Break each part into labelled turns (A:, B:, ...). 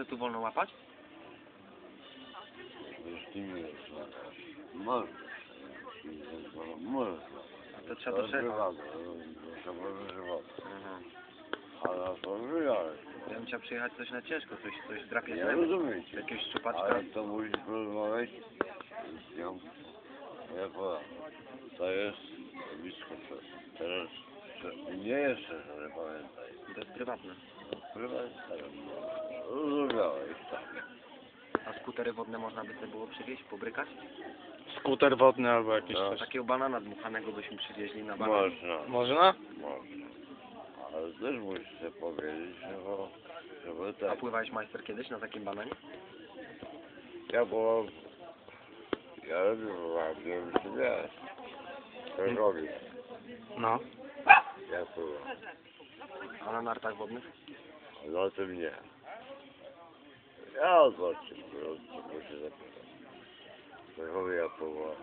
A: se tu wolno łapać?
B: Jeśli nie jest można. Można.
A: A to trzeba do szefa.
B: Trzeba wyżywać. Ale to wyjechać.
A: Ja bym chciał przyjechać coś na ciężko, coś drapie
B: Nie
A: zęby.
B: rozumiecie.
A: Jakiegoś szczupaczka.
B: Ale to musisz porozmawiać z nią. Ja powiem. To jest blisko to. Teraz nie jeszcze, że pamiętaj.
A: To jest prywatne.
B: Prywatnie. Rozumiałeś tam.
A: A skutery wodne można by sobie było przywieźć, pobrykać?
C: Skuter wodny albo jakiś
B: No.
C: coś.
A: Takiego banana dmuchanego byśmy przywieźli na banan.
B: Można.
C: Można?
B: Można. Ale też musisz sobie powiedzieć, żeby
A: A
B: tak.
A: pływałeś majster kiedyś na takim bananie?
B: Ja byłem... Ja robiłem, nie wiem czy wiesz. To robię.
C: No.
B: Ja pływam.
A: A na nartach wodnych?
B: Ale o tym nie. Ja zobaczę, bo się zapytam. Takowy ja pływam.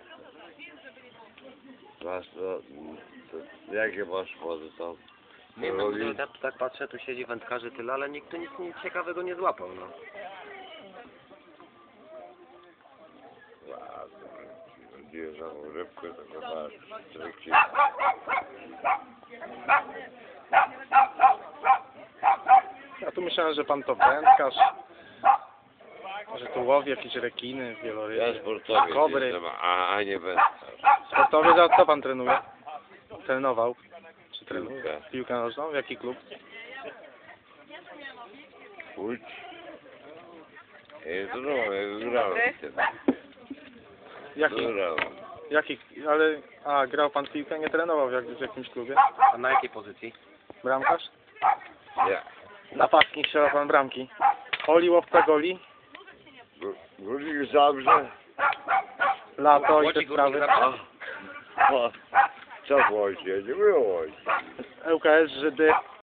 B: Masz to jakie masz wody tam?
A: Nie wiem, ja tak patrzę, tu siedzi wędkarzy tyle, ale nikt tu nic ciekawego nie złapał, no.
B: Bierzemy rybkę, to masz tryki.
C: Ja tu myślałem, że pan to wędkarz. Że tu łowi jakieś rekiny,
B: Ja
C: wieloryby,
B: sportowiec
C: kobry.
B: jestem, a nie wędkarz.
C: Sportowiec, a co pan trenuje? Trenował? Czy trenuje?
B: Piłkę.
C: Piłkę nożną? W jaki klub?
B: Łódź. Ja grałem wtedy. Grałem.
C: Jaki, ale, grał pan w piłkę, nie trenował w jakimś klubie?
A: A na jakiej pozycji?
C: Bramkarz?
B: Ja.
C: Napastnik strzela pan bramki. Oli, łowca goli,
B: Górnik Zabrze.
C: lato i te
A: Łodzi
C: sprawy.
A: Górnik Zabrze.
B: Co w Łodzi? Nie było Łodzi.
C: ŁKS, Żydy,